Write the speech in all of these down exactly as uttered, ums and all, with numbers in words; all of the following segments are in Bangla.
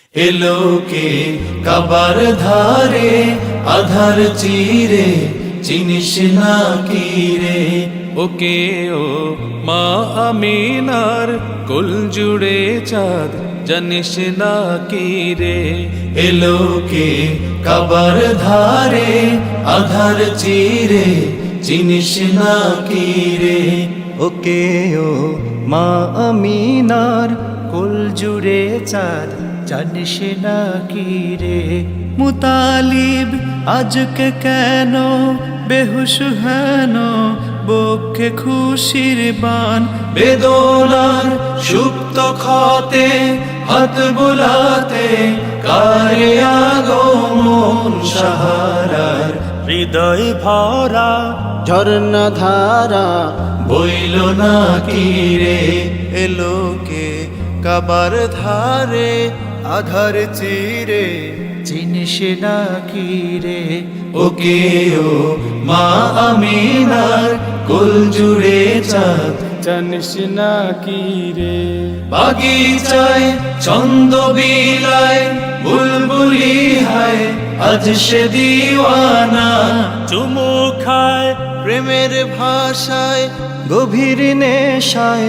এলোকে কাবার ধারে আধার চিরে চিনিস না কি রে। ওকে ও মা আমিনার কুল জুড়ে চাঁদ জানিস না কি রে। এলোকে কাবার ধারে আধার চিরে চিনিস না কি রে। ওকে ও মা আমিনার কুল জুড়ে চাঁদ জানিস না কি রে। মুতালিব আজকে কেন বেহুশ হেন বক্ষে খুশির বান বেদনার সুপ্ত ক্ষতে হাত বুলাতে কারে আগমন সাহারার। হৃদয় ভরা ঝর্ণা ধারা বইল না কি রে। এলোকে কাবার ধারে আধার চিরে চিনিস না কি রে। ওকে ও মা আমিনার কুল জুড়ে চাঁদ জানিস না কি রে। বাগিচায় ছন্দ বিলায় বুলবুলি হায় আজ সে দিওয়ানা। চুমু খায় প্রেমের ভাষায় গভীর নেশায়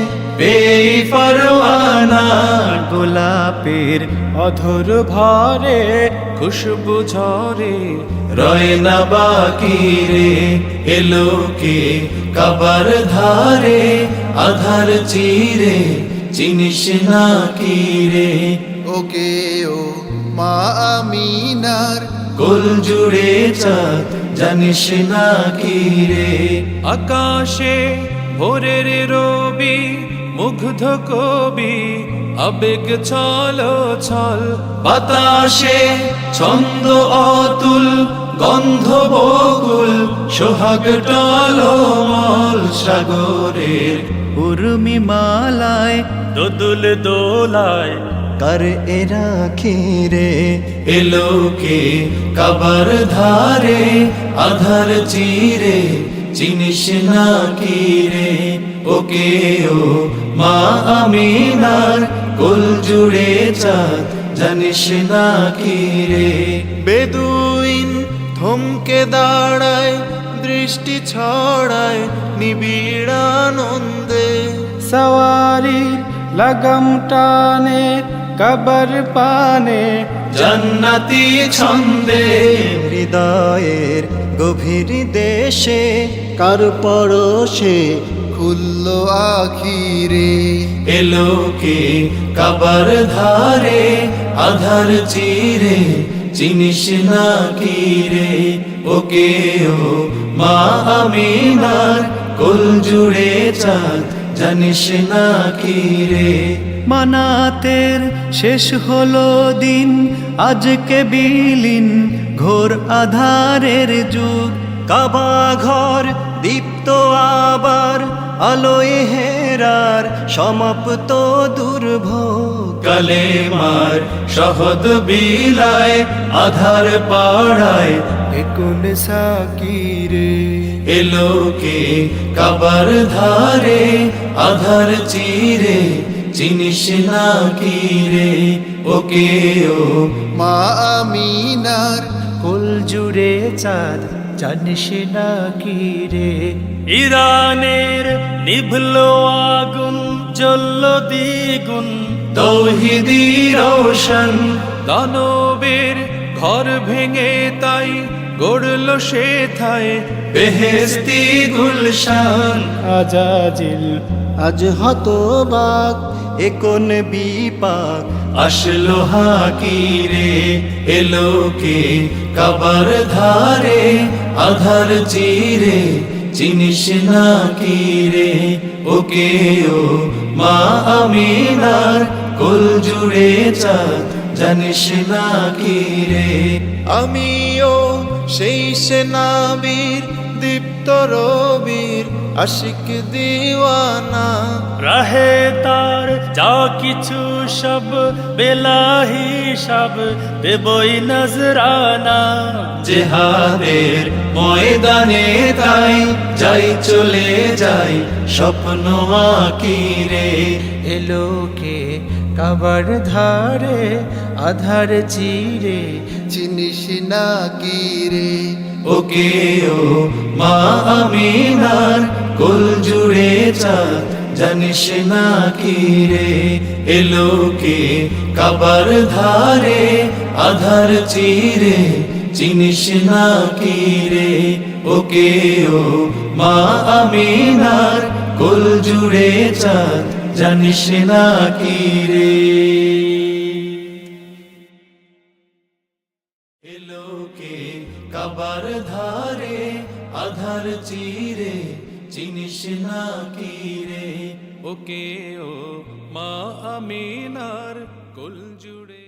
বেপরওয়ানা। গোলাপের অধর ভরে খুশবু ঝরে রয় না বাকি রে। এলোকে কাবার ধারে আধার চিরে চিনিস না কি রে। ওকে ও মা আমিনার কুল জুড়ে চাঁদ জানিস না কি রে। আকাশে ভোরের রবি মুগ্ধ কবি আবেগ ছলো ছল। বাতাসে ছন্দ অতুল গন্ধ বকুল সোহাগ টলমল সাগরের উর্মি মালায় দোদুল দোলায় কর এরা খিরে। এলোকে কাবার ধারে আধার চিরে চিনিস না কি রে। ওকে ও মা আমিনার কুল জুড়ে চাঁদ জানিস না কি রে। বেদুইন থমকে দাঁড়ায় দৃষ্টি ছড়ায় নিবিড় আনন্দে সওয়ারির লাগাম টানে কবর পানে জান্নাতি ছন্দে হৃদয়ের গভীর দেশে কার পরশে খুলল আখিরে। এলোকে কাবার ধারে আধার চিরে চিনিস না কি রে। ওকে ও মা আমিনার কুল জুড়ে চাঁদ জানিস না কি রে। মানাতের শেষ হলো দিন আজকে বিলীন ঘোর আধারের যুগ। কাবা ঘর দীপ্ত আবার আলোয় হেরার সমাপ্ত দুর্ভোগ। কালেমার শহদ বিলায় আধার পাড়ায় একুন সাকিরে। এলোকে কাবার ধারে আধার চিরে চিনিস না কি রে। ওকে ও মা আমিনার কুল জুড়ে চাঁদ জানিস না কি রে। ইরানের নিভলো আগুন জ্বলল দ্বিগুণ তৌহিদি রোশন। দানবের ঘর ভেঙে তাই গড়ল সে থায় বেহেস্তি গুলশান। আজাজিল আজ হতবাক একন বিপাক আসলো হাকিরে। এলোকে কাবার ধারে আধার চিরে চিনিস না কি রে। ওকে ও মা আমিনার কুল জুড়ে চাঁদ জানিস না কি রে। আমিও সেই সেনাবীর দীপ্ত রবির আশিক দিওয়ানা। রাহে তার যা কিছু সব বেলা হিসাব দেবই নজরানা। জেহাদের ময়দানে তাই যাই চলে যাই স্বপ্ন আঁকি রে। এলোকে কাবার ধারে আধার চিরে চিনিস না কি রে ওকে ও মা আমিনার কুল জুড়ে চাঁদ জানিস না কি রে এলো কে কাবার ধারে আধার চিরে চিনিস না কি রে ওকে ও মা আমিনার কুল জুড়ে চাঁদ জানিস না কি রে এলো কে কাবার ধারে আধার চিরে চিনিস না কি রে ওকে ও মা আমিনার কুল জুড়ে